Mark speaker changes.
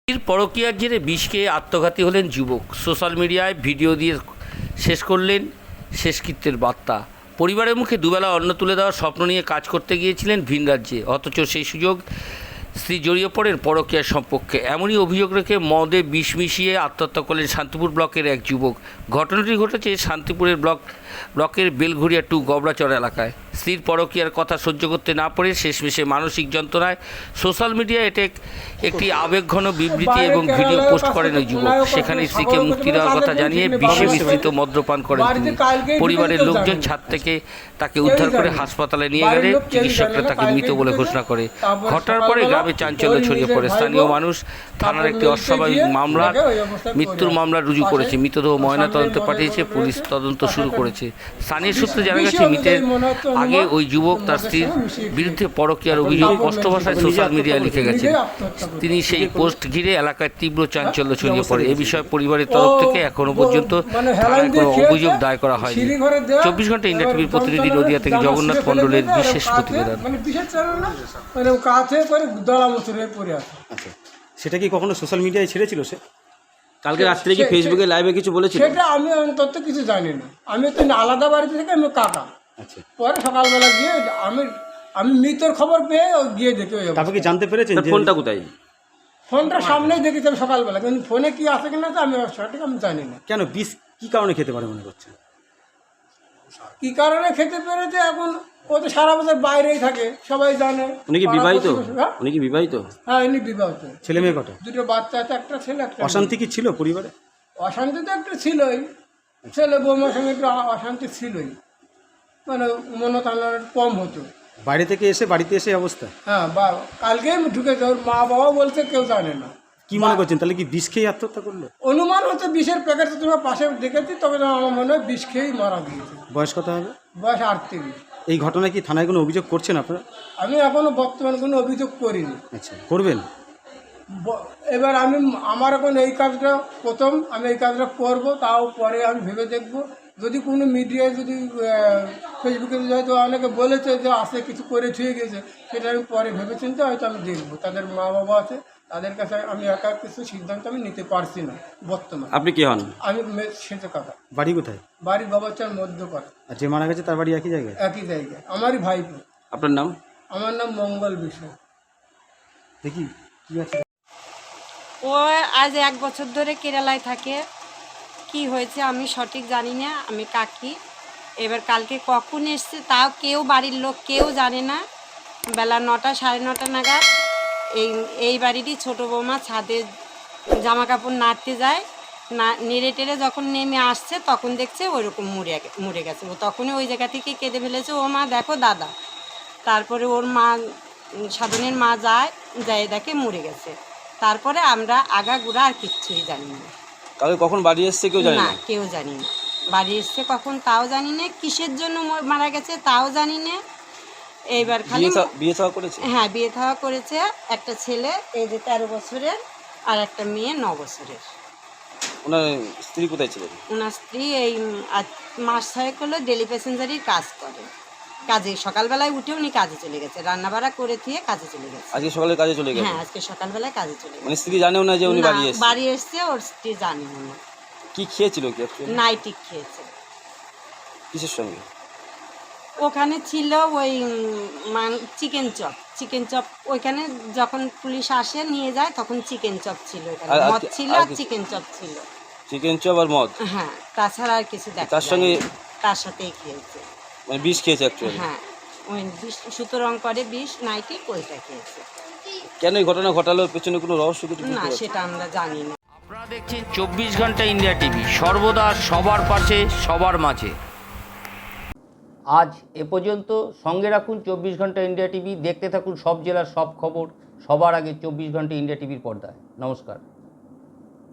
Speaker 1: পরকীয়ার জেরে বিষ খেয়ে আত্মঘাতী হলেন যুবক। সোশ্যাল মিডিয়ায় ভিডিও দিয়ে শেষ করলেন শেষকৃত্যের বার্তা। পরিবারের মুখে দুবেলা অন্ন তুলে দেওয়ার স্বপ্ন নিয়ে কাজ করতে গিয়েছিলেন ভিন রাজ্যে, অথচ সেই সুযোগ স্ত্রী জড়িয়ে পড়েন পরকীয়ার সম্পর্কে। এমনই অভিযোগ রেখে মদে বিষ মিশিয়ে আত্মহত্যা করলেন শান্তিপুর ব্লকের এক যুবক। ঘটনাটি ঘটেছে শান্তিপুরের ব্লকের বেলঘুরিয়া 2 গবড়াচর এলাকায়। স্ত্রীর পরকীয়ার কথা সহ্য করতে না পারে শেষমেশে মানসিক যন্ত্রণায় সোশ্যাল মিডিয়ায় একটি আবেগঘন বিবৃতি এবং ভিডিও পোস্ট করেন ওই যুবক। সেখানে স্ত্রীকে মুক্তি দেওয়ার কথা জানিয়ে বিষে মিশ্রিত মদ্যপান করেন তিনি। পরিবারের লোকজন ছাদ থেকে তাকে উদ্ধার করে হাসপাতালে নিয়ে গেলে চিকিৎসকরা তাকে মৃত বলে ঘোষণা করে। ঘটনার পরে গ্রামে চাঞ্চল্য ছড়িয়ে পড়ে। স্থানীয় মানুষ থানার একটি অস্বাভাবিক মৃত্যুর মামলা রুজু করেছে। মৃতদেহ ময়নাতদন্তে পাঠিয়েছে, পুলিশ তদন্ত শুরু করেছে। স্থানীয় সূত্রে জানা গেছে, মৃতের আগে ওই যুবক তার স্ত্রীর বিরুদ্ধে পরকীয়ার অভিযোগ স্পষ্ট ভাষায় সোশ্যাল মিডিয়ায় লিখে গেছেন। তিনি সেই পোস্ট ঘিরে এলাকায় তীব্র চাঞ্চল্য ছড়িয়ে পড়ে। এ বিষয়ে পরিবারের তরফ থেকে এখনো পর্যন্ত থানায় কোনো অভিযোগ দায়ের করা হয়নি। 24 ঘন্টা ইন্ডিয়া টিভির প্রতিনিধি নদিয়া থেকে জগন্নাথ মণ্ডলের বিশেষ প্রতিবেদন।
Speaker 2: আচ্ছা, সেটা কি কখনো সোশ্যাল মিডিয়ায় ছেড়েছিল সে? কালকে রাত্রে কি ফেসবুকে লাইভে কিছু বলেছিল?
Speaker 3: সেটা আমি অন্তত কিছু জানি না। আমি তো আলাদা বাড়িতে থেকে আমি কাকা।
Speaker 2: আচ্ছা,
Speaker 3: পরে সকালবেলা গিয়ে আমি মৃত্যুর খবর পেয়ে গিয়ে দেখি।
Speaker 2: তারপর কি জানতে পেরেছেন যে ফোনটা কোথায়?
Speaker 3: ফোনটা সামনেই দেখেছি আমি সকালবেলা, কিন্তু ফোনে কি আছে কিনা তো আমি সঠিক আমি জানি না।
Speaker 2: কেন বিষ কি কারণে খেতে পারে মনে করছেন?
Speaker 3: কি কারণে খেতে পেরেছে এখন ও তো সারা বছর বাইরেই থাকে, সবাই জানে।
Speaker 2: উনি কি বিবাহিত? উনি কি বিবাহিত?
Speaker 3: হ্যাঁ, ইনি বিবাহিত।
Speaker 2: ছেলে মেয়ে কটা?
Speaker 3: 2টো বাচ্চা আছে, একটা ছেলে একটা মেয়ে।
Speaker 2: অশান্তি কি ছিল পরিবারে?
Speaker 3: অশান্তি তো একটা ছিলই, ছেলে বৌমার সঙ্গে একটু অশান্তি ছিলই, মানে মনোতালন কম হতো।
Speaker 2: বাইরে থেকে এসে বাড়িতে এসে অবস্থা?
Speaker 3: হ্যাঁ, কালকেই ঢুকেছে। ওর মা বাবা বলছে কেউ জানে না।
Speaker 2: কি মনে করছেন তাহলে কি বিষ খেয়ে আত্মহত্যা করলো?
Speaker 3: অনুমান হচ্ছে বিষের প্যাকেট তো তোমার পাশে দেখেছি, তবে আমার মনে হয় বিষ খেয়েই মারা গিয়েছে।
Speaker 2: বয়স কত হবে?
Speaker 3: বয়স 38।
Speaker 2: এই ঘটনায় কি থানায় কোনো অভিযোগ করছেন আপনারা?
Speaker 3: আমি এখনো বর্তমানে কোনো অভিযোগ করিনি।
Speaker 2: আচ্ছা, করবেন?
Speaker 3: এবার আমার এখন এই কাজটা প্রথম, আমি এই কাজটা করব, তাও পরে আমি ভেবে দেখব। যদি কোনো মিডিয়ায় যদি ফেসবুকে হয়তো অনেকে বলেছে যে আসে কিছু করে ছুঁয়ে গেছে, সেটা আমি পরে ভেবে চিন্তে হয়তো আমি দেখব। তাদের মা বাবা আছে, তাদের কাছে আমি একা কিছু সিদ্ধান্ত আমি নিতে পারছি না বর্তমানে।
Speaker 2: আপনি কি হন?
Speaker 3: আমি সেটা কাকা।
Speaker 2: বাড়ি কোথায়?
Speaker 3: বাড়ি বাবাচার মধ্যপাড়া।
Speaker 2: আর যে মারা গেছে তার বাড়ি একই জায়গায়?
Speaker 3: একই জায়গায়, আমারই ভাইপো।
Speaker 2: আপনার নাম?
Speaker 3: আমার নাম মঙ্গল বিশ্বাস।
Speaker 2: দেখি কি আছে।
Speaker 4: ও আজ 1 বছর ধরে কেরালায় থাকে। কি হয়েছে আমি সঠিক জানি না, আমি কাকি। এবার কালকে কখন এসছে তাও কেউ, বাড়ির লোক কেউ জানে না। বেলা 9টা 9:30 নাগাদ এই বাড়িরই ছোটো বৌমা ছাদে জামা কাপড় নাড়তে যায়, না নেড়ে টেড়ে যখন নেমে আসছে তখন দেখছে ওইরকম মরে গেছে। ও তখনই ওই জায়গা থেকে কেঁদে ফেলেছে, ও মা দেখো দাদা। তারপরে ওর মা, সাধনের মা যায় দেখে মরে গেছে। তারপরে আমরা আগাগোড়া আর কিচ্ছুই জানি না।
Speaker 2: কালকে কখন বাড়ি এসছে কেউ জানে না?
Speaker 4: কেউ জানি না। বাড়ি এসছে কখন তাও জানি না, কিসের জন্য মারা গেছে তাও জানি না। এইবার খালি
Speaker 2: বিয়ে থাওয়া করেছে?
Speaker 4: হ্যাঁ, বিয়ে থাওয়া করেছে। একটা ছেলে এই যে 13 বছরের, আর একটা মেয়ে 9 বছরের।
Speaker 2: ওনার স্ত্রী কোথায় ছিলেন?
Speaker 4: ওনার স্ত্রী এই মাস 6 হলো ডেলি প্যাসেঞ্জারির কাজ করে। কাজে সকালবেলায় উঠে উনি কাজে চলে গেছে, রান্নাবাড়া করে দিয়ে কাজে চলে গেছে।
Speaker 2: আজকে সকালে কাজে চলে গেছে?
Speaker 4: হ্যাঁ, আজকে সকালবেলায় কাজে চলে গেছে।
Speaker 2: মানে স্ত্রী জানেও না যে উনি বাড়ি এসেছে?
Speaker 4: বাড়ি এসছে, ওর স্ত্রী জানে না।
Speaker 2: কি খেয়েছিল কি অ্যাকচুয়ালি?
Speaker 4: নাইটি খেয়েছে।
Speaker 2: কিসের সঙ্গে?
Speaker 4: ওখানে ছিল ওই চিকেন চপ। ওইখানে যখন পুলিশ আসে নিয়ে যায় তখন চিকেন চপ ছিল, এখানে মদ ছিল আর চিকেন চপ ছিল।
Speaker 2: চিকেন চপ আর মদ?
Speaker 4: হ্যাঁ, তাছাড়া আর কিছু দেখা
Speaker 2: তার সঙ্গে
Speaker 4: তার সাথেই খেয়েছে।
Speaker 2: মানে বিষ খেয়েছে অ্যাকচুয়ালি?
Speaker 4: হ্যাঁ, ওই সুতরং করে বিষ নাইটি ওইটা খেয়েছে।
Speaker 2: কেন এই ঘটনা ঘটালো, পেছনে কোনো রহস্য কিছু?
Speaker 4: না, সেটা আমরা জানি না।
Speaker 1: আপনারা দেখছেন 24 ঘন্টা ইন্ডিয়া টিভি, সর্বদা সবার পাশে সবার মাঝে। আজ এ পর্যন্ত। সঙ্গে রাখুন 24 ঘন্টা ইন্ডিয়া টিভি, দেখতে থাকুন সব জেলার সব খবর সবার আগে 24 ঘন্টা ইন্ডিয়া টিভির পর্দায়। নমস্কার।